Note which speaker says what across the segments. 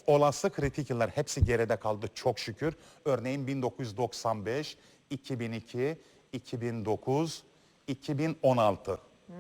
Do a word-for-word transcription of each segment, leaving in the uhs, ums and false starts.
Speaker 1: olası kritik yıllar hepsi geride kaldı çok şükür. Örneğin bin dokuz yüz doksan beş, iki bin iki, iki bin dokuz, iki bin on altı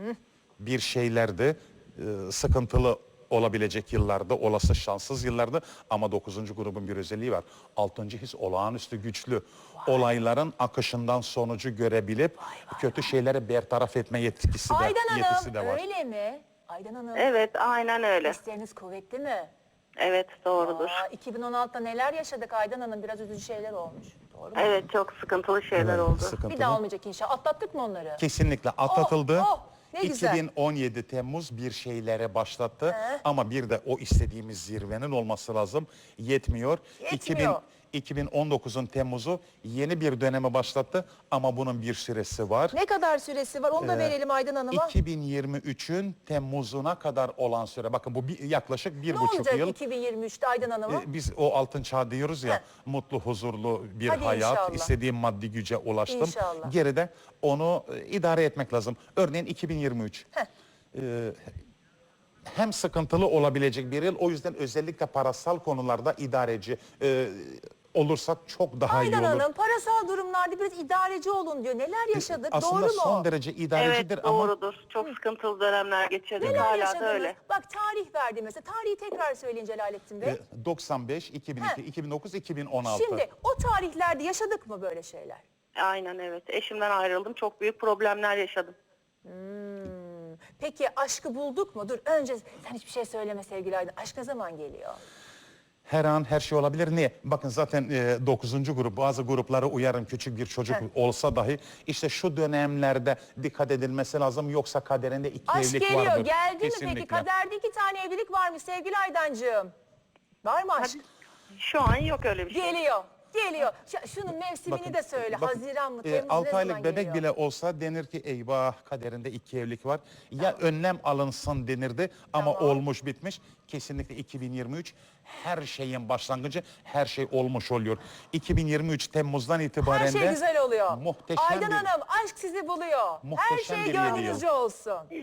Speaker 1: bir şeylerdi. Ee, sıkıntılı olabilecek yıllarda, olası şanssız yıllardı. Ama dokuzuncu grubun bir özelliği var. Altıncı his olağanüstü güçlü. Olayların akışından sonucu görebilip kötü şeyleri bertaraf etme yetkisi de,
Speaker 2: Aydan
Speaker 1: yetisi de
Speaker 2: Hanım
Speaker 1: var.
Speaker 2: öyle mi? Aydan Hanım
Speaker 3: Evet, aynen öyle.
Speaker 2: hisleriniz kuvvetli mi?
Speaker 3: Evet, doğrudur.
Speaker 2: Aa, iki bin on altıda neler yaşadık Aydan Hanım? Biraz üzücü şeyler olmuş. Doğru mu?
Speaker 3: Evet, çok sıkıntılı şeyler
Speaker 1: Evet,
Speaker 3: oldu.
Speaker 1: sıkıntılı.
Speaker 2: Bir daha olmayacak inşallah. Atlattık mı onları?
Speaker 1: Kesinlikle atlatıldı.
Speaker 2: Oh, oh, ne güzel.
Speaker 1: iki bin on yedi Temmuz bir şeylere başlattı.
Speaker 2: He.
Speaker 1: Ama bir de o istediğimiz zirvenin olması lazım. Yetmiyor.
Speaker 2: Yetmiyor.
Speaker 1: iki bin on dokuzun Temmuz'u yeni bir döneme başlattı. Ama bunun bir süresi var.
Speaker 2: Ne kadar süresi var? Onu da verelim Aydan Hanım'a.
Speaker 1: iki bin yirmi üçün Temmuz'una kadar olan süre. Bakın bu bir, yaklaşık bir
Speaker 2: Ne
Speaker 1: buçuk
Speaker 2: olacak
Speaker 1: yıl.
Speaker 2: iki bin yirmi üçte Aydan Hanım'a?
Speaker 1: Ee, Biz o altın çağ diyoruz ya,
Speaker 2: Heh.
Speaker 1: mutlu, huzurlu bir
Speaker 2: Hadi
Speaker 1: hayat,
Speaker 2: inşallah.
Speaker 1: istediğim maddi güce ulaştım.
Speaker 2: İnşallah.
Speaker 1: Geride onu e, idare etmek lazım. Örneğin iki bin yirmi üç.
Speaker 2: Heh.
Speaker 1: Ee, hem sıkıntılı olabilecek bir yıl, o yüzden özellikle parasal konularda idareci e, olursak çok daha
Speaker 2: Aydan
Speaker 1: iyi olur.
Speaker 2: Hanım parasal durumlarda biraz idareci olun diyor. Neler yaşadık?
Speaker 1: Aslında
Speaker 2: Doğru mu?
Speaker 1: son derece idarecidir
Speaker 3: Evet,
Speaker 1: ama
Speaker 3: doğrudur. Çok sıkıntılı dönemler geçirdik.
Speaker 2: Neler
Speaker 3: Hala
Speaker 2: yaşadınız?
Speaker 3: da öyle.
Speaker 2: Bak tarih verdi mesela. Tarihi tekrar söyleyin Celalettin Bey.
Speaker 1: e, doksan beş, iki bin iki,
Speaker 2: Heh.
Speaker 1: iki bin dokuz, iki bin on altı.
Speaker 2: Şimdi o tarihlerde yaşadık mı böyle şeyler?
Speaker 3: Aynen evet. Eşimden ayrıldım. Çok büyük problemler yaşadım.
Speaker 2: Hmm. Peki aşkı bulduk mu? Dur önce sen hiçbir şey söyleme sevgili Aydın. Aşk ne zaman geliyor?
Speaker 1: Her an her şey olabilir. Niye? Bakın zaten e, dokuzuncu grup, bazı gruplara uyarın, küçük bir çocuk
Speaker 2: Heh.
Speaker 1: olsa dahi işte şu dönemlerde dikkat edilmesi lazım, yoksa kaderinde iki
Speaker 2: Aşk
Speaker 1: evlilik
Speaker 2: geliyor.
Speaker 1: vardır.
Speaker 2: Geldi mi
Speaker 1: Kesinlikle.
Speaker 2: peki? Kaderde iki tane evlilik var mı sevgili Aydancığım? Var mı aşk?
Speaker 3: Şu an yok öyle bir şey.
Speaker 2: Geliyor. Geliyor. Ş- şunun mevsimini
Speaker 1: Bakın,
Speaker 2: de söyle.
Speaker 1: bakın,
Speaker 2: Haziran mı?
Speaker 1: e,
Speaker 2: Temmuz ne
Speaker 1: altı
Speaker 2: zaman
Speaker 1: aylık bebek
Speaker 2: geliyor?
Speaker 1: bile olsa denir ki eyvah, kaderinde iki evlilik var. Ya önlem alınsın denirdi ama
Speaker 2: Tamam.
Speaker 1: olmuş bitmiş. Kesinlikle iki bin yirmi üç her şeyin başlangıcı, her şey olmuş oluyor. iki bin yirmi üç Temmuz'dan itibaren
Speaker 2: Her şey
Speaker 1: de
Speaker 2: güzel oluyor.
Speaker 1: muhteşem
Speaker 2: Aydan
Speaker 1: bir-
Speaker 2: Hanım aşk sizi buluyor. Her
Speaker 1: Muhteşem
Speaker 2: şey
Speaker 1: bir yedi yıl.
Speaker 2: gönlünüzce olsun.